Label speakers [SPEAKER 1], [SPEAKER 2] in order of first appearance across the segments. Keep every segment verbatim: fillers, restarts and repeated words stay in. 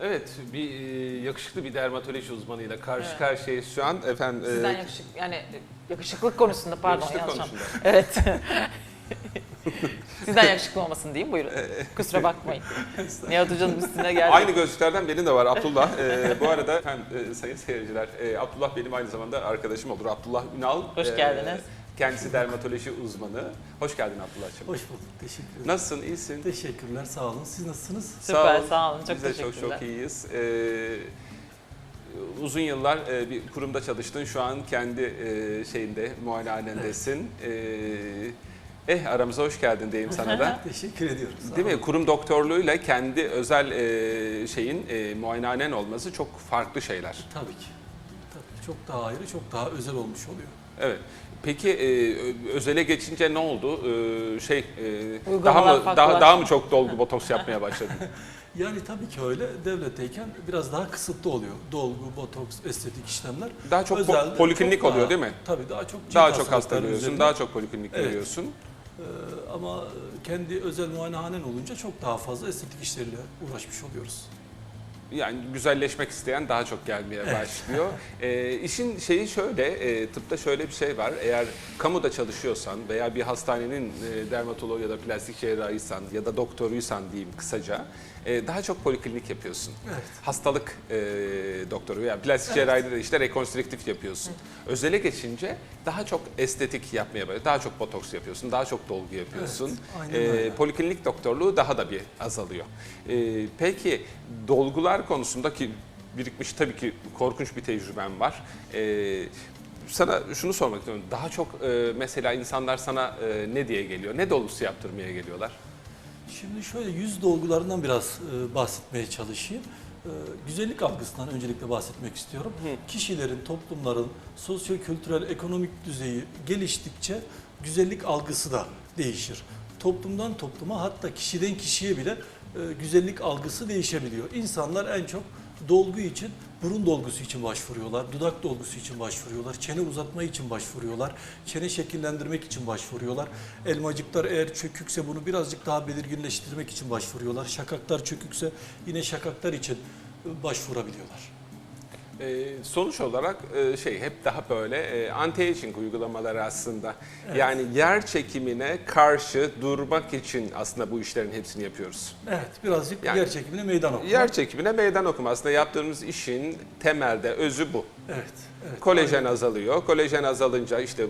[SPEAKER 1] Evet, bir e, yakışıklı bir dermatoloji uzmanıyla karşı
[SPEAKER 2] Evet.
[SPEAKER 1] karşıyayız şu an. Efendim, e,
[SPEAKER 2] Sizden yakışık, yani yakışıklık konusunda pardon
[SPEAKER 1] yakışıklık
[SPEAKER 2] yanlış
[SPEAKER 1] konusunda.
[SPEAKER 2] anladım. Evet. Sizden yakışıklı olmasın diyeyim buyurun. Kusura bakmayın. Nihat Hoca'nın üstüne geldi.
[SPEAKER 1] Aynı gözlüklerden benim de var Abdullah. E, bu arada efendim, e, sayın seyirciler, e, Abdullah benim aynı zamanda arkadaşım olur. Abdullah Ünal.
[SPEAKER 2] Hoş
[SPEAKER 1] e,
[SPEAKER 2] geldiniz.
[SPEAKER 1] Kendisi dermatoloji uzmanı. Hoş geldin Abdullah'cığım.
[SPEAKER 3] Hoş bulduk, teşekkür ederim.
[SPEAKER 1] Nasılsın, iyisin?
[SPEAKER 3] Teşekkürler, sağ olun. Siz nasılsınız?
[SPEAKER 2] Süper,
[SPEAKER 1] ol.
[SPEAKER 2] sağ olun. Çok
[SPEAKER 1] Biz de çok
[SPEAKER 2] teşekkürler.
[SPEAKER 1] çok iyiyiz. Ee, uzun yıllar e, bir kurumda çalıştın. Şu an kendi e, şeyinde, muayenehanendesin. Ee, eh aramıza hoş geldin diyeyim sana da.
[SPEAKER 3] Teşekkür ediyorum. Sağ
[SPEAKER 1] Değil mi?
[SPEAKER 3] olun.
[SPEAKER 1] Kurum doktorluğuyla kendi özel e, şeyin e, muayenehanen olması çok farklı şeyler.
[SPEAKER 3] Tabii ki. Tabii, çok daha ayrı, çok daha özel olmuş oluyor.
[SPEAKER 1] Evet. Peki e, özele geçince ne oldu? E, şey e, daha
[SPEAKER 2] Uygulamalar
[SPEAKER 1] mı daha,
[SPEAKER 2] farklılaştı.
[SPEAKER 1] daha mı çok dolgu botoks yapmaya başladın?
[SPEAKER 3] Yani tabii ki öyle. Devletteyken biraz daha kısıtlı oluyor. Dolgu, botoks, estetik işlemler.
[SPEAKER 1] Daha çok po-
[SPEAKER 3] Özelde
[SPEAKER 1] poliklinik
[SPEAKER 3] çok
[SPEAKER 1] oluyor
[SPEAKER 3] daha-
[SPEAKER 1] değil mi?
[SPEAKER 3] Tabii daha çok cilt
[SPEAKER 1] Daha çok hasta
[SPEAKER 3] hastalıkları
[SPEAKER 1] görüyorsun,
[SPEAKER 3] üzerine.
[SPEAKER 1] daha çok poliklinik
[SPEAKER 3] Evet.
[SPEAKER 1] görüyorsun.
[SPEAKER 3] Ee, ama kendi özel muayenehanen olunca çok daha fazla estetik işlerle uğraşmış oluyoruz.
[SPEAKER 1] Yani güzelleşmek isteyen daha çok gelmeye başlıyor. e, işin şeyi şöyle, e, tıpta şöyle bir şey var. Eğer kamuda çalışıyorsan veya bir hastanenin e, dermatoloğu ya da plastik cerrahıysan ya da doktoruysan diyeyim kısaca, e, daha çok poliklinik yapıyorsun.
[SPEAKER 3] Evet.
[SPEAKER 1] Hastalık e, doktoru veya plastik cerrahide de işte rekonstrüktif yapıyorsun. Özele geçince daha çok estetik yapmaya başlıyorsun. Daha çok botoks yapıyorsun, daha çok dolgu yapıyorsun.
[SPEAKER 3] Evet, aynen
[SPEAKER 1] E,
[SPEAKER 3] öyle.
[SPEAKER 1] poliklinik doktorluğu daha da bir azalıyor. E, peki dolgular konusunda ki birikmiş tabii ki korkunç bir tecrüben var. Ee, sana şunu sormak istiyorum. Daha çok e, mesela insanlar sana e, ne diye geliyor? Ne dolgusu yaptırmaya geliyorlar?
[SPEAKER 3] Şimdi şöyle yüz dolgularından biraz e, bahsetmeye çalışayım. E, güzellik algısından öncelikle bahsetmek istiyorum.
[SPEAKER 1] Hı.
[SPEAKER 3] Kişilerin, toplumların sosyo-kültürel, ekonomik düzeyi geliştikçe güzellik algısı da değişir. Toplumdan topluma hatta kişiden kişiye bile e, güzellik algısı değişebiliyor. İnsanlar en çok dolgu için, burun dolgusu için başvuruyorlar, dudak dolgusu için başvuruyorlar, çene uzatma için başvuruyorlar, çene şekillendirmek için başvuruyorlar. Elmacıklar eğer çökükse bunu birazcık daha belirginleştirmek için başvuruyorlar. Şakaklar çökükse yine şakaklar için e, başvurabiliyorlar.
[SPEAKER 1] Ee, sonuç olarak e, şey hep daha böyle e, anti-aging uygulamaları aslında.
[SPEAKER 3] Evet.
[SPEAKER 1] Yani yer çekimine karşı durmak için aslında bu işlerin hepsini yapıyoruz.
[SPEAKER 3] Evet, birazcık
[SPEAKER 1] Yani
[SPEAKER 3] yer çekimine meydan okuma.
[SPEAKER 1] Yer çekimine meydan okuma. Aslında yaptığımız işin temelde özü bu.
[SPEAKER 3] Evet, evet.
[SPEAKER 1] Kolajen
[SPEAKER 3] Aynen.
[SPEAKER 1] azalıyor. Kolajen azalınca işte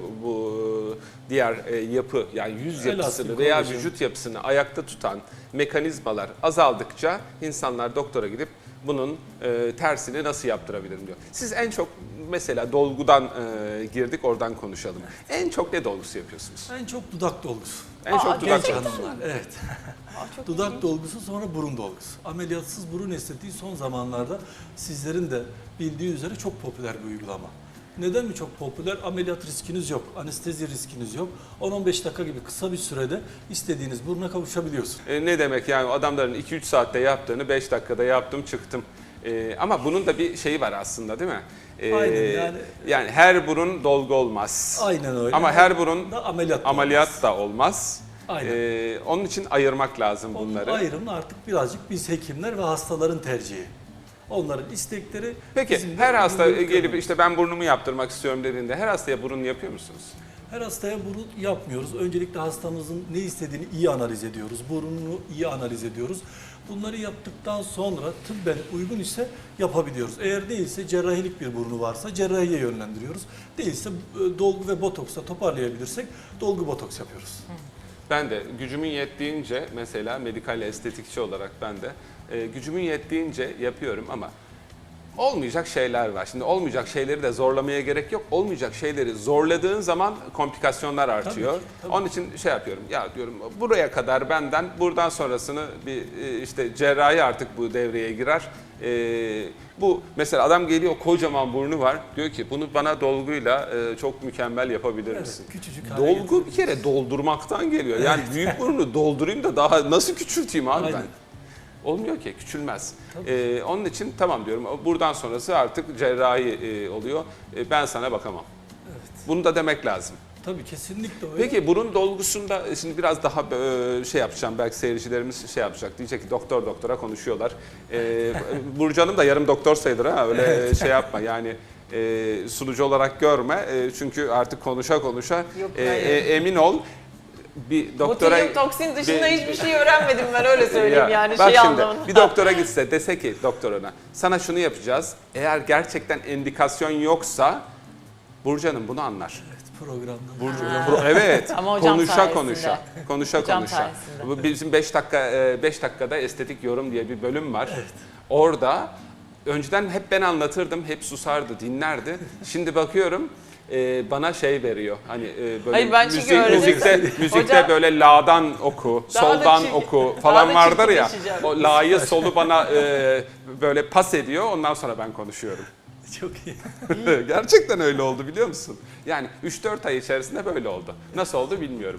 [SPEAKER 1] bu diğer e, yapı yani yüz
[SPEAKER 3] Elastin
[SPEAKER 1] yapısını veya
[SPEAKER 3] kolajen.
[SPEAKER 1] vücut yapısını ayakta tutan mekanizmalar azaldıkça insanlar doktora gidip bunun e, tersini nasıl yaptırabilirim diyor. Siz en çok mesela dolgudan e, girdik oradan konuşalım. En çok ne dolgusu yapıyorsunuz?
[SPEAKER 3] En çok dudak dolgusu.
[SPEAKER 1] En
[SPEAKER 2] Aa,
[SPEAKER 1] çok dudak
[SPEAKER 3] Genç
[SPEAKER 2] gerçekten
[SPEAKER 1] dolgusu.
[SPEAKER 3] hanımlar, evet.
[SPEAKER 2] Aa, çok
[SPEAKER 3] Dudak
[SPEAKER 2] ilginç.
[SPEAKER 3] dolgusu sonra burun dolgusu. Ameliyatsız burun estetiği son zamanlarda sizlerin de bildiği üzere çok popüler bir uygulama. Neden mi çok popüler? Ameliyat riskiniz yok, anestezi riskiniz yok. on on beş dakika gibi kısa bir sürede istediğiniz buruna kavuşabiliyorsun.
[SPEAKER 1] E, ne demek yani adamların iki üç saatte yaptığını beş dakikada yaptım çıktım. E, ama bunun da bir şeyi var aslında değil mi? E,
[SPEAKER 3] Aynen, yani-
[SPEAKER 1] yani her burun dolgu olmaz.
[SPEAKER 3] Aynen öyle.
[SPEAKER 1] Ama her burun
[SPEAKER 3] da ameliyat. da
[SPEAKER 1] ameliyat
[SPEAKER 3] olmaz.
[SPEAKER 1] da olmaz.
[SPEAKER 3] Aynen.
[SPEAKER 1] E, onun için ayırmak lazım
[SPEAKER 3] Onun
[SPEAKER 1] bunları.
[SPEAKER 3] ayrımını artık birazcık biz hekimler ve hastaların tercihi. Onların istekleri.
[SPEAKER 1] Peki
[SPEAKER 3] bizim de
[SPEAKER 1] her hasta
[SPEAKER 3] uygun
[SPEAKER 1] gelip
[SPEAKER 3] görmemiz.
[SPEAKER 1] işte ben burnumu yaptırmak istiyorum dediğinde her hastaya burun yapıyor musunuz?
[SPEAKER 3] Her hastaya burun yapmıyoruz. Öncelikle hastamızın ne istediğini iyi analiz ediyoruz. Burnunu iyi analiz ediyoruz. Bunları yaptıktan sonra tıbben uygun ise yapabiliyoruz. Eğer değilse cerrahilik bir burnu varsa cerrahiye yönlendiriyoruz. Değilse e, dolgu ve botoksla toparlayabilirsek dolgu botoks yapıyoruz.
[SPEAKER 1] Ben de gücümün yettiğince mesela medikal estetikçi olarak ben de e, gücümün yettiğince yapıyorum ama olmayacak şeyler var. Şimdi olmayacak şeyleri de zorlamaya gerek yok. Olmayacak şeyleri zorladığın zaman komplikasyonlar artıyor.
[SPEAKER 3] Tabii ki, tabii.
[SPEAKER 1] Onun için şey yapıyorum. Ya diyorum buraya kadar benden buradan sonrasını bir e, işte cerrahi artık bu devreye girer. E, bu mesela adam geliyor kocaman burnu var. Diyor ki bunu bana dolguyla e, çok mükemmel yapabilir
[SPEAKER 3] Evet,
[SPEAKER 1] misin?
[SPEAKER 3] küçücük hale
[SPEAKER 1] Dolgu bir
[SPEAKER 3] getirebiliriz.
[SPEAKER 1] kere doldurmaktan geliyor. Yani büyük burnu doldurayım da daha nasıl küçülteyim abi
[SPEAKER 3] Aynen.
[SPEAKER 1] ben? Olmuyor ki, küçülmez.
[SPEAKER 3] Tabii.
[SPEAKER 1] Ee, onun için tamam diyorum, buradan sonrası artık cerrahi e, oluyor. E, ben sana bakamam.
[SPEAKER 3] Evet.
[SPEAKER 1] Bunu da demek lazım.
[SPEAKER 3] Tabii kesinlikle öyle.
[SPEAKER 1] Peki burun dolgusunda şimdi biraz daha e, şey yapacağım, belki seyircilerimiz şey yapacak, diyecek ki doktor doktora konuşuyorlar. Ee, Burcu Hanım da yarım doktor sayılır ha, öyle şey yapma yani. E, sunucu olarak görme e, çünkü artık konuşa konuşa
[SPEAKER 2] Yok,
[SPEAKER 1] e,
[SPEAKER 2] hayır.
[SPEAKER 1] e, emin ol bir doktora...
[SPEAKER 2] Botulyum toksin dışında
[SPEAKER 1] bir-
[SPEAKER 2] hiçbir şey öğrenmedim ben, öyle söyleyeyim
[SPEAKER 1] Ya,
[SPEAKER 2] yani
[SPEAKER 1] bak
[SPEAKER 2] şey
[SPEAKER 1] şimdi,
[SPEAKER 2] anlamında.
[SPEAKER 1] bir doktora gitse dese ki doktoruna sana şunu yapacağız, eğer gerçekten indikasyon yoksa Burcu Hanım bunu anlar.
[SPEAKER 3] Evet, programda.
[SPEAKER 1] Burcu,
[SPEAKER 2] Ha.
[SPEAKER 1] Pro- evet.
[SPEAKER 2] Ama hocam
[SPEAKER 1] konuşa
[SPEAKER 2] sayesinde.
[SPEAKER 1] konuşa. Konuşa
[SPEAKER 2] Hocam
[SPEAKER 1] konuşa.
[SPEAKER 2] sayesinde.
[SPEAKER 1] Bu bizim beş dakika beş dakikada estetik yorum diye bir bölüm var. Orada önceden hep ben anlatırdım, hep susardı, dinlerdi. Şimdi bakıyorum e, bana şey veriyor. Hani e, böyle
[SPEAKER 2] Hayır, ben çünkü
[SPEAKER 1] müzik,
[SPEAKER 2] öyle
[SPEAKER 1] müzikte
[SPEAKER 2] desem-
[SPEAKER 1] müzikte
[SPEAKER 2] Hocam-
[SPEAKER 1] böyle la'dan oku,
[SPEAKER 2] Daha da
[SPEAKER 1] soldan
[SPEAKER 2] çirkin-
[SPEAKER 1] oku
[SPEAKER 2] daha
[SPEAKER 1] falan
[SPEAKER 2] da
[SPEAKER 1] vardır ya.
[SPEAKER 2] çirkinleşeceğim.
[SPEAKER 1] O la'yı solu bana e, böyle pas ediyor. Ondan sonra ben konuşuyorum.
[SPEAKER 3] Çok iyi.
[SPEAKER 1] Gerçekten öyle oldu biliyor musun? Yani üç dört ay içerisinde böyle oldu. Nasıl oldu bilmiyorum.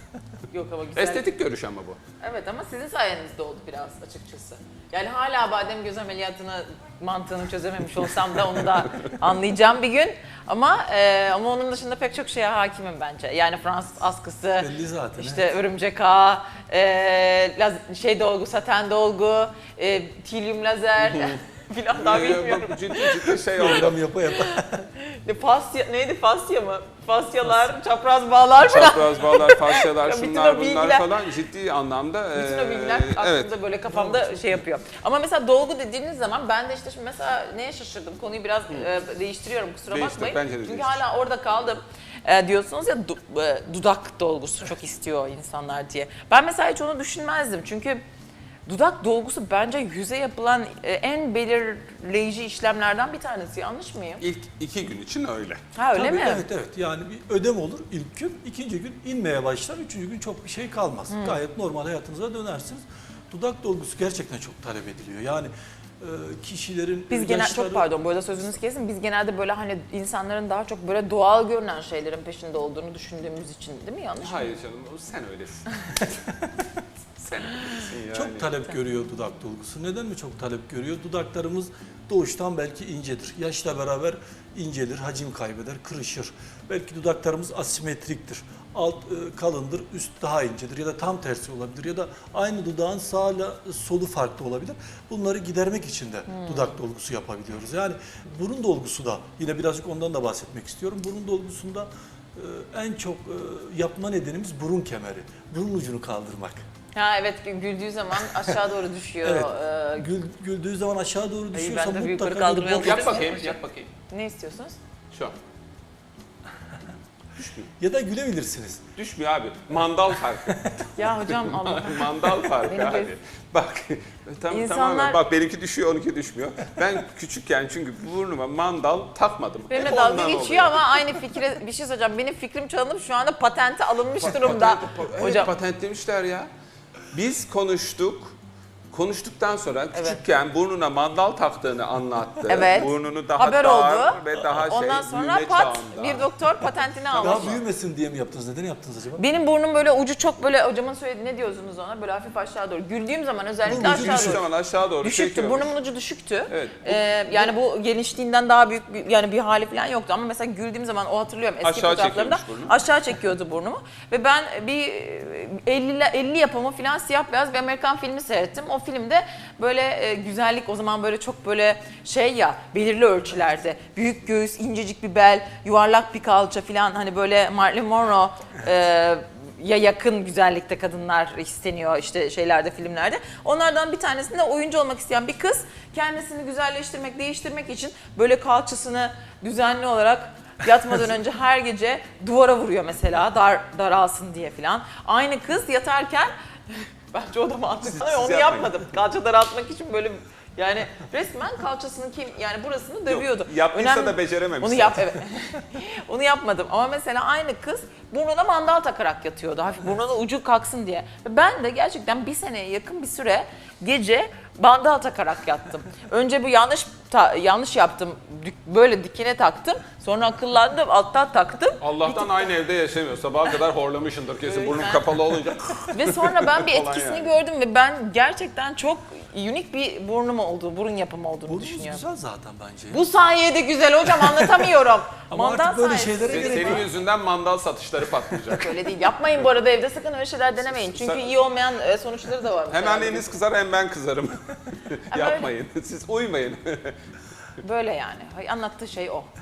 [SPEAKER 2] Yok ama güzel.
[SPEAKER 1] Estetik görüş ama bu.
[SPEAKER 2] Evet ama sizin sayenizde oldu biraz açıkçası. Yani hala badem göz ameliyatını mantığını çözememiş olsam da onu da anlayacağım bir gün. Ama e, ama onun dışında pek çok şeye hakimim bence. Yani Fransız askısı,
[SPEAKER 3] Belli zaten.
[SPEAKER 2] işte örümcek ağı, e, laz- şey dolgu, saten dolgu, e, tilyum lazer filan daha
[SPEAKER 1] Ee,
[SPEAKER 2] bilmiyorum.
[SPEAKER 1] bak, ciddi ciddi şey oldu.
[SPEAKER 3] Program yapa yapa.
[SPEAKER 2] Ne, fasya, neydi fasya mı? Fasyalar, çapraz bağlar falan.
[SPEAKER 1] Çapraz bağlar, fasyalar,
[SPEAKER 2] Ya bütün
[SPEAKER 1] şunlar
[SPEAKER 2] o
[SPEAKER 1] bunlar
[SPEAKER 2] bilgiler-
[SPEAKER 1] falan ciddi anlamda.
[SPEAKER 2] Bütün
[SPEAKER 1] e,
[SPEAKER 2] o bilgiler aklımda
[SPEAKER 1] evet.
[SPEAKER 2] böyle kafamda şey yapıyor. Ama mesela dolgu dediğiniz zaman ben de işte şimdi mesela neye şaşırdım? Konuyu biraz e, değiştiriyorum, kusura
[SPEAKER 1] Değiştir,
[SPEAKER 2] bakmayın.
[SPEAKER 1] bence de
[SPEAKER 2] Çünkü
[SPEAKER 1] değiştir.
[SPEAKER 2] hala orada kaldım. E, diyorsunuz ya du- e, dudak dolgusu çok istiyor insanlar diye. Ben mesela hiç onu düşünmezdim. Çünkü dudak dolgusu bence yüze yapılan e, en belirleyici işlemlerden bir tanesi. Yanlış mıyım?
[SPEAKER 1] İlk iki gün için öyle.
[SPEAKER 2] Ha öyle
[SPEAKER 3] Tabii,
[SPEAKER 2] mi?
[SPEAKER 3] Evet evet, yani bir ödem olur ilk gün, ikinci gün inmeye başlar, üçüncü gün çok bir şey kalmaz. Gayet normal hayatınıza dönersiniz. Dudak dolgusu gerçekten çok talep ediliyor. Yani e, kişilerin
[SPEAKER 2] Biz genel
[SPEAKER 3] yaşları-
[SPEAKER 2] çok pardon bu arada sözünüzü kesin. Biz genelde böyle hani insanların daha çok böyle doğal görünen şeylerin peşinde olduğunu düşündüğümüz için değil mi? Yanlış mı?
[SPEAKER 1] Hayır canım, sen öylesin. Sen öylesin yani.
[SPEAKER 3] Çok talep görüyor dudak dolgusu. Neden mi çok talep görüyor? Dudaklarımız doğuştan belki incedir. Yaşla beraber incelir, hacim kaybeder, kırışır. Belki dudaklarımız asimetriktir. Alt e, kalındır, üst daha incedir ya da tam tersi olabilir ya da aynı dudağın sağla solu farklı olabilir. Bunları gidermek için de dudak dolgusu yapabiliyoruz. Yani burun dolgusu da yine birazcık ondan da bahsetmek istiyorum. Burun dolgusunda e, en çok e, yapma nedenimiz burun kemeri. Burun ucunu kaldırmak.
[SPEAKER 2] Ha evet, güldüğü zaman aşağı doğru düşüyor.
[SPEAKER 3] Evet.
[SPEAKER 2] Ee,
[SPEAKER 3] Gül, güldüğü zaman aşağı doğru düşüyorsa
[SPEAKER 2] ben de bir yukarı
[SPEAKER 3] mutlaka bir
[SPEAKER 2] kaldırmayalım.
[SPEAKER 3] boş-
[SPEAKER 1] Yap bakayım, yap bakayım.
[SPEAKER 2] ne istiyorsunuz?
[SPEAKER 1] Şu an.
[SPEAKER 3] ya da gülebilirsiniz.
[SPEAKER 1] Düşmüyor abi. Mandal farkı.
[SPEAKER 2] Ya hocam Allah.
[SPEAKER 1] Mandal farkı
[SPEAKER 2] Benim
[SPEAKER 1] abi.
[SPEAKER 2] göz-
[SPEAKER 1] Bak tam,
[SPEAKER 2] İnsanlar-
[SPEAKER 1] tamamen bak benimki düşüyor, onunki düşmüyor. Ben küçükken çünkü burnuma mandal takmadım.
[SPEAKER 2] Benimle
[SPEAKER 1] Hep
[SPEAKER 2] dalga
[SPEAKER 1] ondan
[SPEAKER 2] geçiyor
[SPEAKER 1] oluyor.
[SPEAKER 2] ama aynı fikre bir şey söyleyeceğim. Benim fikrim çalınıp şu anda patente alınmış durumda.
[SPEAKER 1] Evet,
[SPEAKER 2] Hocam
[SPEAKER 1] patentlemişler ya. Biz konuştuk. Konuştuktan sonra
[SPEAKER 2] Evet.
[SPEAKER 1] küçükken burnuna mandal taktığını anlattı.
[SPEAKER 2] Evet.
[SPEAKER 1] Burnunu daha
[SPEAKER 2] haber
[SPEAKER 1] dar
[SPEAKER 2] oldu.
[SPEAKER 1] ve daha şey
[SPEAKER 2] Ondan sonra
[SPEAKER 1] büyüme
[SPEAKER 2] pat
[SPEAKER 1] çağında.
[SPEAKER 2] bir doktor patentini almış.
[SPEAKER 3] Daha büyümesin diye mi yaptınız? Neden yaptınız acaba?
[SPEAKER 2] Benim burnum böyle ucu çok böyle hocamın söylediği ne diyorsunuz ona böyle hafif aşağı doğru. Güldüğüm zaman özellikle
[SPEAKER 3] Burun ucu
[SPEAKER 2] aşağı
[SPEAKER 1] Düştüğü
[SPEAKER 2] doğru.
[SPEAKER 1] zaman aşağı doğru
[SPEAKER 2] Düşüktü.
[SPEAKER 1] çekiyor.
[SPEAKER 2] Burnumun ucu düşüktü.
[SPEAKER 1] Evet.
[SPEAKER 2] Ee, yani bu genişliğinden daha büyük bir, yani bir hali falan yoktu ama mesela güldüğüm zaman o hatırlıyorum eski
[SPEAKER 1] Aşağı
[SPEAKER 2] fotoğraflarımda
[SPEAKER 1] çekiyormuş burnu.
[SPEAKER 2] aşağı çekiyordu burnumu ve ben bir elli elli yapımı falan siyah beyaz bir Amerikan filmi seyrettim. O filmde böyle e, güzellik o zaman böyle çok böyle şey ya belirli ölçülerde büyük göğüs, incecik bir bel, yuvarlak bir kalça falan hani böyle Marilyn Monroe e, ya yakın güzellikte kadınlar isteniyor işte şeylerde filmlerde. Onlardan bir tanesinde oyuncu olmak isteyen bir kız kendisini güzelleştirmek, değiştirmek için böyle kalçasını düzenli olarak yatmadan önce her gece duvara vuruyor mesela dar daralsın diye falan. Aynı kız yatarken bence o da mantıklı
[SPEAKER 1] Siz-
[SPEAKER 2] ama
[SPEAKER 1] siz
[SPEAKER 2] onu
[SPEAKER 1] yapmayın.
[SPEAKER 2] yapmadım. Kalça daraltmak için böyle yani resmen kalçasını kim yani burasını dövüyordu.
[SPEAKER 1] yaptıysa da becerememiş
[SPEAKER 2] Onu yap evet. Onu yapmadım ama mesela aynı kız burnuna mandal takarak yatıyordu. Hafif burnuna ucu kalksın diye. Ve ben de gerçekten bir seneye yakın bir süre gece mandal takarak yattım. Önce bu yanlış ta- yanlış yaptım. Dük- Böyle dikine taktım. Sonra akıllandım alttan taktım.
[SPEAKER 1] Allah'tan aynı evde yaşamıyor. Sabaha kadar horlamışındır kesin.
[SPEAKER 2] Evet,
[SPEAKER 1] Burnun
[SPEAKER 2] ben-
[SPEAKER 1] kapalı olunca.
[SPEAKER 2] Ve sonra ben bir
[SPEAKER 1] Falan
[SPEAKER 2] etkisini
[SPEAKER 1] yani.
[SPEAKER 2] gördüm ve ben gerçekten çok unik bir burnum olduğu, burun yapımı olduğunu
[SPEAKER 3] Burnumuz
[SPEAKER 2] düşünüyorum.
[SPEAKER 3] güzel zaten bence.
[SPEAKER 2] Bu sayede güzel hocam, anlatamıyorum.
[SPEAKER 3] Ama
[SPEAKER 2] Mandal
[SPEAKER 3] artık böyle
[SPEAKER 2] sayesinde.
[SPEAKER 3] şeylere
[SPEAKER 1] Senin,
[SPEAKER 3] gerek
[SPEAKER 1] senin
[SPEAKER 3] var.
[SPEAKER 1] yüzünden mandal satışları patlayacak.
[SPEAKER 2] Öyle değil. Yapmayın bu arada, evde sakın öyle şeyler denemeyin. Çünkü
[SPEAKER 1] Sen-
[SPEAKER 2] iyi olmayan e, sonuçları da var.
[SPEAKER 1] Hem
[SPEAKER 2] mesela.
[SPEAKER 1] anneniz kızar hem ben kızarım. Yapmayın. Siz uymayın.
[SPEAKER 2] Böyle yani. Hay- Anlattığı şey o.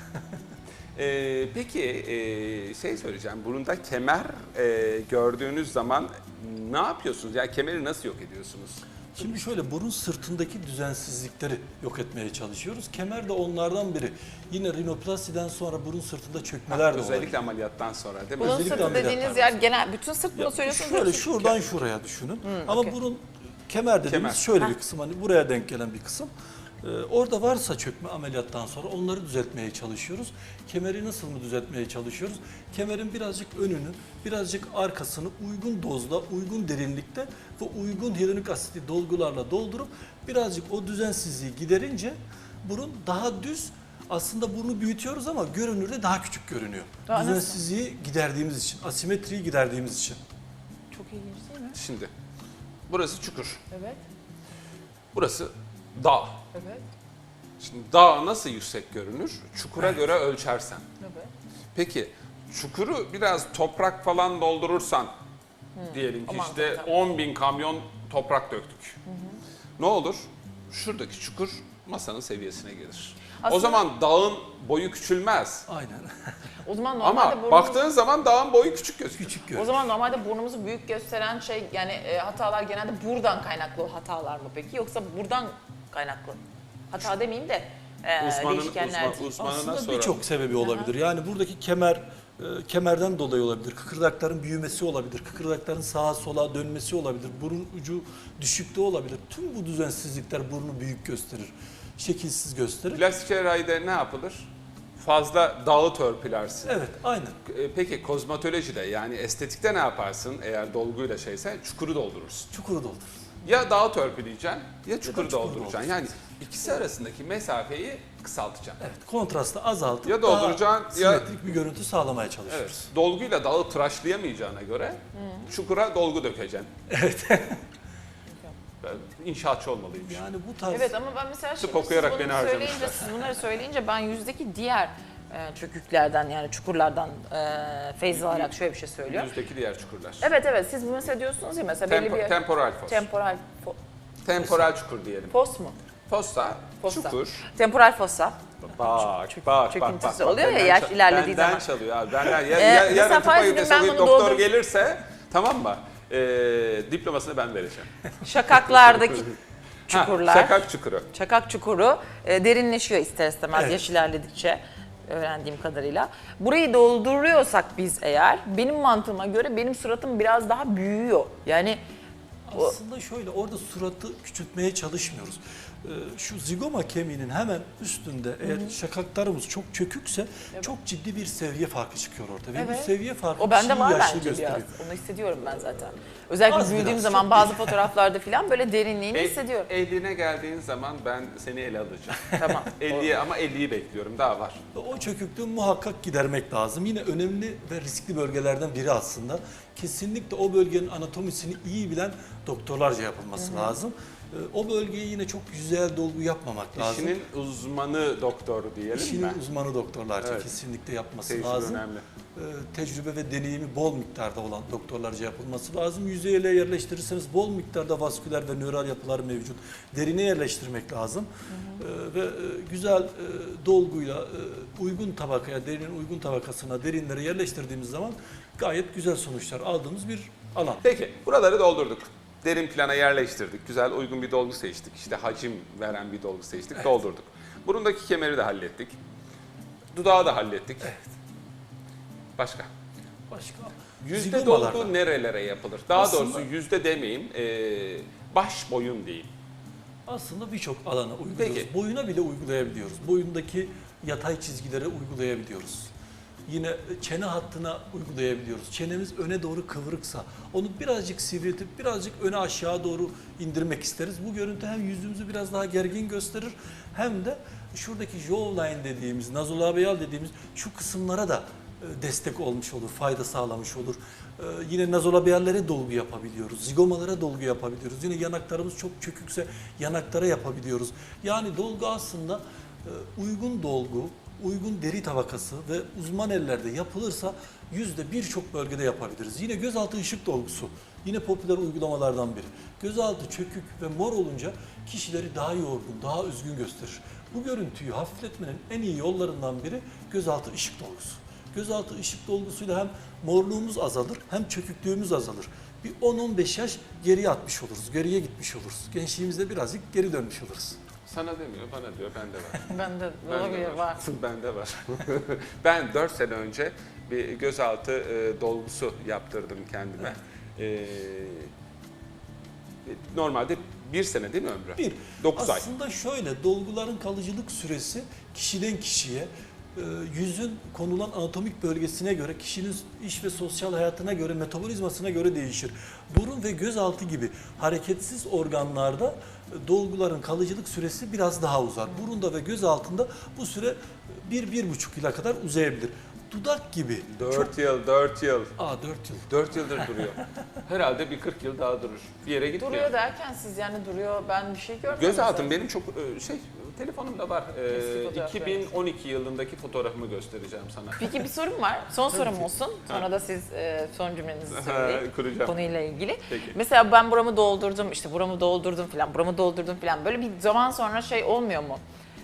[SPEAKER 1] Ee, peki e, şey söyleyeceğim. Burunda kemer e, gördüğünüz zaman ne yapıyorsunuz? Yani kemeri nasıl yok ediyorsunuz?
[SPEAKER 3] Şimdi şöyle burun sırtındaki düzensizlikleri yok etmeye çalışıyoruz. Kemer de onlardan biri. Yine rinoplastiden sonra burun sırtında çökmeler de
[SPEAKER 1] Özellikle
[SPEAKER 3] olabilir.
[SPEAKER 1] ameliyattan sonra değil mi?
[SPEAKER 2] Bunun
[SPEAKER 3] Özellikle
[SPEAKER 2] sırtı
[SPEAKER 3] ameliyatlar
[SPEAKER 2] dediğiniz
[SPEAKER 3] var.
[SPEAKER 2] yer genel, bütün sırt bunu
[SPEAKER 3] Ya
[SPEAKER 2] söylüyorsunuz.
[SPEAKER 3] şöyle
[SPEAKER 2] diyorsunuz.
[SPEAKER 3] şuradan şuraya düşünün. Ama
[SPEAKER 2] okey.
[SPEAKER 3] burun kemer dediğimiz
[SPEAKER 1] Kemer.
[SPEAKER 3] şöyle
[SPEAKER 2] Heh.
[SPEAKER 3] bir kısım, hani buraya denk gelen bir kısım. Ee, orada varsa çökme ameliyattan sonra onları düzeltmeye çalışıyoruz. Kemeri nasıl mı düzeltmeye çalışıyoruz? Kemerin birazcık önünü, birazcık arkasını uygun dozda, uygun derinlikte ve uygun hyaluronik asitli dolgularla doldurup birazcık o düzensizliği giderince burun daha düz, aslında burnu büyütüyoruz ama görünürde daha küçük görünüyor.
[SPEAKER 2] Daha nasıl?
[SPEAKER 3] Düzensizliği giderdiğimiz için, asimetriyi giderdiğimiz için.
[SPEAKER 2] Çok ilginç değil mi?
[SPEAKER 1] Şimdi burası çukur.
[SPEAKER 2] Evet.
[SPEAKER 1] Burası dağ.
[SPEAKER 2] Evet.
[SPEAKER 1] Şimdi dağ nasıl yüksek görünür? Çukura göre ölçersen.
[SPEAKER 2] Evet.
[SPEAKER 1] Peki çukuru biraz toprak falan doldurursan diyelim ki
[SPEAKER 2] aman
[SPEAKER 1] işte
[SPEAKER 2] tabii.
[SPEAKER 1] on bin kamyon toprak döktük. Ne olur? Şuradaki çukur masanın seviyesine gelir. O
[SPEAKER 2] Aslında-
[SPEAKER 1] zaman dağın boyu küçülmez.
[SPEAKER 3] Aynen.
[SPEAKER 2] O zaman normalde
[SPEAKER 1] Ama
[SPEAKER 2] burnumuz-
[SPEAKER 1] baktığın zaman dağın boyu küçük gözükür.
[SPEAKER 3] Küçük
[SPEAKER 2] O
[SPEAKER 3] görünüyor.
[SPEAKER 2] zaman normalde burnumuzu büyük gösteren şey, yani e, hatalar genelde buradan kaynaklı hatalar mı peki, yoksa buradan kaynaklı? Hata demeyeyim de e,
[SPEAKER 1] Uzmanın,
[SPEAKER 2] değişkenler.
[SPEAKER 1] uzman, uzmanına
[SPEAKER 3] Aslında
[SPEAKER 1] soralım.
[SPEAKER 3] birçok sebebi olabilir. Yani buradaki kemer e, kemerden dolayı olabilir. Kıkırdakların büyümesi olabilir. Kıkırdakların sağa sola dönmesi olabilir. Burun ucu düşükte olabilir. Tüm bu düzensizlikler burnu büyük gösterir. Şekilsiz gösterir.
[SPEAKER 1] Plastik cerrahide ne yapılır? Fazla dağı törpülersin.
[SPEAKER 3] Evet, aynen.
[SPEAKER 1] E, Peki kozmetolojide yani estetikte ne yaparsın eğer dolguyla şeyse? Çukuru doldurursun.
[SPEAKER 3] Çukuru doldurur.
[SPEAKER 1] Ya dağı törpüleyeceksin ya çukuru
[SPEAKER 3] çukuru
[SPEAKER 1] dolduracaksın. Yani ikisi arasındaki mesafeyi kısaltacaksın.
[SPEAKER 3] Evet, kontrastı azaltıp
[SPEAKER 1] Ya dolduracaksın,
[SPEAKER 3] daha
[SPEAKER 1] ya-
[SPEAKER 3] simetrik bir görüntü sağlamaya
[SPEAKER 1] Evet.
[SPEAKER 3] çalışıyoruz.
[SPEAKER 1] Dolguyla dağı tıraşlayamayacağına göre çukura dolgu dökeceksin. Evet. Ben inşaatçı olmalıyım.
[SPEAKER 3] Yani bu tarz
[SPEAKER 2] Evet, ama ben mesela şimdi
[SPEAKER 1] okuyarak
[SPEAKER 2] siz
[SPEAKER 1] beni
[SPEAKER 2] bunu söyleyince,
[SPEAKER 1] harcamışlar.
[SPEAKER 2] siz bunları söyleyince ben yüzdeki diğer e, çöküklerden, yani çukurlardan e, feyz alarak şöyle bir şey söylüyorum.
[SPEAKER 1] Yüzdeki diğer çukurlar.
[SPEAKER 2] Evet evet, siz bu mesela diyorsunuz ya, mesela belli
[SPEAKER 1] Tempo,
[SPEAKER 2] bir
[SPEAKER 1] temporal fos.
[SPEAKER 2] temporal fo-
[SPEAKER 1] temporal çukur diyelim.
[SPEAKER 2] fos mu?
[SPEAKER 1] Fossa,
[SPEAKER 2] Fossa.
[SPEAKER 1] çukur.
[SPEAKER 2] Temporal fossa.
[SPEAKER 1] Bak,
[SPEAKER 2] Çök-
[SPEAKER 1] bak, bak,
[SPEAKER 2] çöküntüsü
[SPEAKER 1] bak.
[SPEAKER 2] oluyor ya
[SPEAKER 1] Benden
[SPEAKER 2] yaş
[SPEAKER 1] çal-
[SPEAKER 2] ilerlediği
[SPEAKER 1] benden
[SPEAKER 2] zaman.
[SPEAKER 1] çalıyor abi. Benden, ya,
[SPEAKER 2] Ee,
[SPEAKER 1] ya,
[SPEAKER 2] mesela
[SPEAKER 1] yarın tıpa
[SPEAKER 2] farz edin, ben
[SPEAKER 1] üniversitesi
[SPEAKER 2] bunu
[SPEAKER 1] doktor
[SPEAKER 2] doldur-
[SPEAKER 1] gelirse tamam mı? Ee, diplomasını ben vereceğim.
[SPEAKER 2] Şakaklardaki çukurlar.
[SPEAKER 1] Ha, şakak çukuru.
[SPEAKER 2] Çakak çukuru e, derinleşiyor ister istemez
[SPEAKER 3] Evet.
[SPEAKER 2] yaş ilerledikçe, öğrendiğim kadarıyla. Burayı dolduruyorsak biz eğer, benim mantığıma göre benim suratım biraz daha büyüyor. Yani o-
[SPEAKER 3] Aslında şöyle, orada suratı küçültmeye çalışmıyoruz. Ee, Şu zigoma kemiğinin hemen üstünde eğer şakaklarımız çok çökükse çok ciddi bir seviye farkı çıkıyor orada. Ve
[SPEAKER 2] Evet.
[SPEAKER 3] bu seviye farkı
[SPEAKER 2] o bende
[SPEAKER 3] kişiyi
[SPEAKER 2] var
[SPEAKER 3] yaşlı
[SPEAKER 2] bence
[SPEAKER 3] gösteriyor.
[SPEAKER 2] biraz. Onu hissediyorum ben zaten. Özellikle
[SPEAKER 3] Az
[SPEAKER 2] büyüdüğüm
[SPEAKER 3] biraz,
[SPEAKER 2] zaman
[SPEAKER 3] çok
[SPEAKER 2] bazı
[SPEAKER 3] değil.
[SPEAKER 2] fotoğraflarda falan böyle derinliğini
[SPEAKER 1] El-
[SPEAKER 2] hissediyorum.
[SPEAKER 1] elliğine geldiğin zaman ben seni ele alacağım.
[SPEAKER 2] Tamam.
[SPEAKER 1] elliye ama elliyi bekliyorum. Daha var.
[SPEAKER 3] Ve o çöküklüğü muhakkak gidermek lazım. Yine önemli ve riskli bölgelerden biri aslında. Kesinlikle o bölgenin anatomisini iyi bilen doktorlarca yapılması lazım. Ee, O bölgeye yine çok yüzeyel dolgu yapmamak lazım.
[SPEAKER 1] İşinin uzmanı doktor diyelim
[SPEAKER 3] İşinin
[SPEAKER 1] mi?
[SPEAKER 3] uzmanı doktorlarca
[SPEAKER 1] Evet.
[SPEAKER 3] kesinlikle yapması
[SPEAKER 1] Tecrübe
[SPEAKER 3] lazım.
[SPEAKER 1] önemli.
[SPEAKER 3] Ee, tecrübe ve deneyimi bol miktarda olan doktorlarca yapılması lazım. Yüzeyele yerleştirirseniz bol miktarda vasküler ve nöral yapılar mevcut. Derine yerleştirmek lazım. Ee, ve e, güzel e, dolguyla e, uygun tabakaya, derinin uygun tabakasına, derinlere yerleştirdiğimiz zaman gayet güzel sonuçlar aldığımız bir alan.
[SPEAKER 1] Peki buraları doldurduk. Derin plana yerleştirdik. Güzel uygun bir dolgu seçtik. İşte hacim veren bir dolgu seçtik. Doldurduk. Burundaki kemeri de hallettik. Dudağı da hallettik. Başka?
[SPEAKER 3] Başka
[SPEAKER 1] Yüzde
[SPEAKER 3] zigomalarda.
[SPEAKER 1] dolgu nerelere yapılır? Daha
[SPEAKER 3] Aslında-
[SPEAKER 1] doğrusu yüzde demeyeyim. ee, baş boyun diyeyim.
[SPEAKER 3] Aslında birçok alana uyguluyoruz.
[SPEAKER 1] Peki.
[SPEAKER 3] Boyuna bile uygulayabiliyoruz. Boyundaki yatay çizgilere uygulayabiliyoruz. Yine çene hattına uygulayabiliyoruz. Çenemiz öne doğru kıvrıksa onu birazcık sivriltip birazcık öne aşağı doğru indirmek isteriz. Bu görüntü hem yüzümüzü biraz daha gergin gösterir hem de şuradaki jawline dediğimiz, nazolabial dediğimiz şu kısımlara da e, destek olmuş olur, fayda sağlamış olur. E, Yine nazolabiyerlere dolgu yapabiliyoruz, zigomalara dolgu yapabiliyoruz. Yine yanaklarımız çok çökükse yanaklara yapabiliyoruz. Yani dolgu aslında e, uygun dolgu, uygun deri tabakası ve uzman ellerde yapılırsa yüzde birçok bölgede yapabiliriz. Yine gözaltı ışık dolgusu, yine popüler uygulamalardan biri. Gözaltı çökük ve mor olunca kişileri daha yorgun, daha üzgün gösterir. Bu görüntüyü hafifletmenin en iyi yollarından biri gözaltı ışık dolgusu. Gözaltı ışık dolgusuyla hem morluğumuz azalır hem çöküklüğümüz azalır. Bir on on beş yaş geriye atmış oluruz, geriye gitmiş oluruz. Gençliğimizde birazcık geri dönmüş oluruz.
[SPEAKER 1] Sana demiyor, bana diyor, bende var.
[SPEAKER 2] Bende
[SPEAKER 1] Bende
[SPEAKER 2] olabilir var.
[SPEAKER 1] Bende var. Ben dört sene önce bir gözaltı e, dolgusu yaptırdım kendime. E, normalde bir sene değil mi ömrü?
[SPEAKER 3] Bir,
[SPEAKER 1] dokuz ay.
[SPEAKER 3] aslında şöyle, dolguların kalıcılık süresi kişiden kişiye, e, yüzün konulan anatomik bölgesine göre, kişinin iş ve sosyal hayatına göre, metabolizmasına göre değişir. Burun ve gözaltı gibi hareketsiz organlarda e, dolguların kalıcılık süresi biraz daha uzar. Burunda ve göz altında bu süre bir, bir buçuk yıla kadar uzayabilir. Dudak gibi.
[SPEAKER 1] dört yıl, dört yıl.
[SPEAKER 3] Aa dört yıl.
[SPEAKER 1] dört yıldır duruyor. Herhalde bir kırk yıl daha durur. Bir yere gitmiyor.
[SPEAKER 2] Duruyor derken siz yani duruyor, ben bir şey görmedim.
[SPEAKER 1] Gözaltım benim çok e, şey, telefonumda var. E,
[SPEAKER 2] Eski fotoğraflar.
[SPEAKER 1] iki bin on iki yılındaki fotoğrafımı göstereceğim sana.
[SPEAKER 2] Peki bir sorum var. Son sorum
[SPEAKER 3] ki.
[SPEAKER 2] olsun. Sonra da siz e, son cümlenizi söyleyin.
[SPEAKER 1] Kuracağım.
[SPEAKER 2] Konuyla ilgili.
[SPEAKER 1] Peki.
[SPEAKER 2] Mesela ben buramı doldurdum, işte buramı doldurdum falan, buramı doldurdum falan. Böyle bir zaman sonra şey olmuyor mu?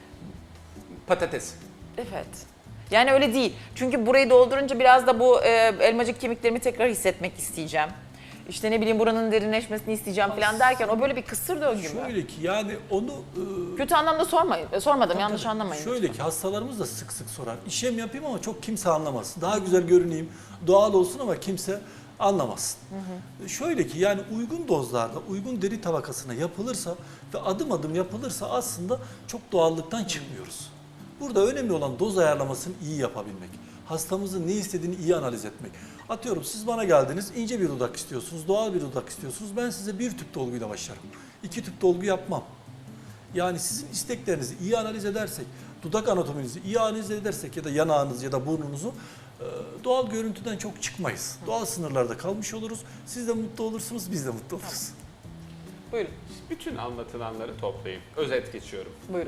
[SPEAKER 1] Patates.
[SPEAKER 2] Evet. Yani öyle değil. Çünkü burayı doldurunca biraz da bu e, elmacık kemiklerimi tekrar hissetmek isteyeceğim. İşte ne bileyim buranın derinleşmesini isteyeceğim falan derken o böyle bir kısır döngü mü?
[SPEAKER 3] Şöyle ki yani onu e,
[SPEAKER 2] Kötü anlamda sormayın. e, Sormadım,
[SPEAKER 3] Tabii
[SPEAKER 2] yanlış
[SPEAKER 3] tabii.
[SPEAKER 2] anlamayın.
[SPEAKER 3] Şöyle
[SPEAKER 2] lütfen.
[SPEAKER 3] ki hastalarımız da sık sık sorar. İşlem yapayım ama çok kimse anlamasın. Daha güzel görüneyim, doğal olsun ama kimse anlamasın. Hı hı. Şöyle ki yani uygun dozlarda, uygun deri tabakasına yapılırsa ve adım adım yapılırsa aslında çok doğallıktan çıkmıyoruz. Burada önemli olan doz ayarlamasını iyi yapabilmek. Hastamızın ne istediğini iyi analiz etmek. Atıyorum siz bana geldiniz, ince bir dudak istiyorsunuz, doğal bir dudak istiyorsunuz. Ben size bir tüp dolguyla başlarım. İki tüp dolgu yapmam. Yani sizin isteklerinizi iyi analiz edersek, dudak anatominizi iyi analiz edersek ya da yanağınız ya da burnunuzu e, doğal görüntüden çok çıkmayız. Doğal sınırlarda kalmış oluruz. Siz de mutlu olursunuz, biz de mutlu oluruz.
[SPEAKER 2] Buyurun,
[SPEAKER 1] Bütün anlatılanları toplayayım. Özet geçiyorum.
[SPEAKER 2] buyurun.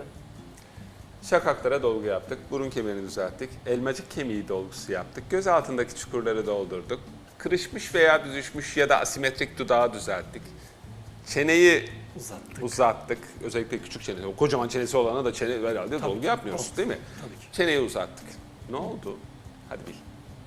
[SPEAKER 1] Şakaklara dolgu yaptık, burun kemiğini düzelttik, elmacık kemiği dolgusu yaptık, göz altındaki çukurları doldurduk, kırışmış veya büzüşmüş ya da asimetrik dudağı düzelttik, çeneyi
[SPEAKER 3] Uzattık.
[SPEAKER 1] uzattık, özellikle küçük çenesi, o kocaman çenesi olana da çene herhalde
[SPEAKER 3] Tabii
[SPEAKER 1] dolgu
[SPEAKER 3] ki,
[SPEAKER 1] yapmıyoruz
[SPEAKER 3] tabii.
[SPEAKER 1] değil mi?
[SPEAKER 3] Tabii ki.
[SPEAKER 1] Çeneyi uzattık. Ne oldu? Hadi bil.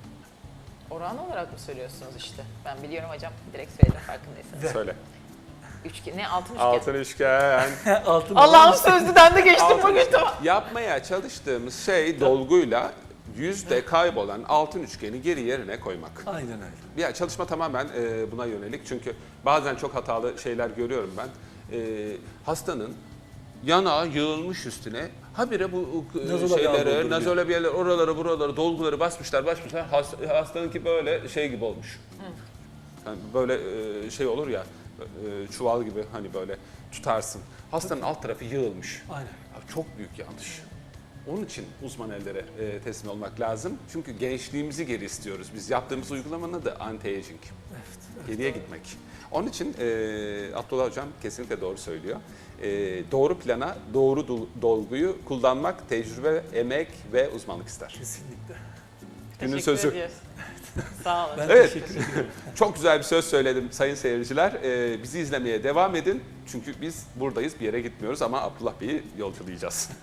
[SPEAKER 2] Oran olarak mı söylüyorsunuz işte? Ben biliyorum hocam, direkt söyledim farkındaysanız.
[SPEAKER 1] Söyle.
[SPEAKER 2] Üçgen, ne altın üçgen?
[SPEAKER 1] Altın üçgen.
[SPEAKER 3] Altın
[SPEAKER 2] Allah'ım sözlüden de geçtim
[SPEAKER 1] Altın
[SPEAKER 2] bugün
[SPEAKER 1] üçgen.
[SPEAKER 2] tamam.
[SPEAKER 1] Yapmaya çalıştığımız şey dolguyla yüzde kaybolan altın üçgeni geri yerine koymak.
[SPEAKER 3] Aynen öyle.
[SPEAKER 1] Ya çalışma tamamen e, buna yönelik çünkü bazen çok hatalı şeyler görüyorum ben. E, hastanın yanağı yığılmış üstüne habire bu e,
[SPEAKER 3] Nazolabial
[SPEAKER 1] şeyleri,
[SPEAKER 3] dolduruyor.
[SPEAKER 1] nazolabiyalar, oraları buraları dolguları basmışlar basmışlar. Has, hastanınki böyle şey gibi olmuş. Yani böyle e, şey olur ya e, çuval gibi hani böyle tutarsın. Hastanın alt tarafı yığılmış.
[SPEAKER 3] Aynen.
[SPEAKER 1] Ya çok büyük yanlış. Onun için uzman ellere e, teslim olmak lazım. Çünkü gençliğimizi geri istiyoruz. Biz yaptığımız uygulamanın adı anti-aging.
[SPEAKER 3] Evet.
[SPEAKER 1] Geriye gitmek. Onun için e, Abdullah Hocam kesinlikle doğru söylüyor. E, doğru plana, doğru dol- dolguyu kullanmak tecrübe, emek ve uzmanlık ister.
[SPEAKER 3] Kesinlikle.
[SPEAKER 1] Günün
[SPEAKER 2] Teşekkür
[SPEAKER 1] sözü.
[SPEAKER 2] ediyoruz. Sağ olun.
[SPEAKER 3] Ben
[SPEAKER 1] Evet.
[SPEAKER 3] teşekkür ederim.
[SPEAKER 1] Çok güzel bir söz söyledim sayın seyirciler. E, bizi izlemeye devam edin. Çünkü biz buradayız, bir yere gitmiyoruz ama Abdullah Bey'i yolculayacağız.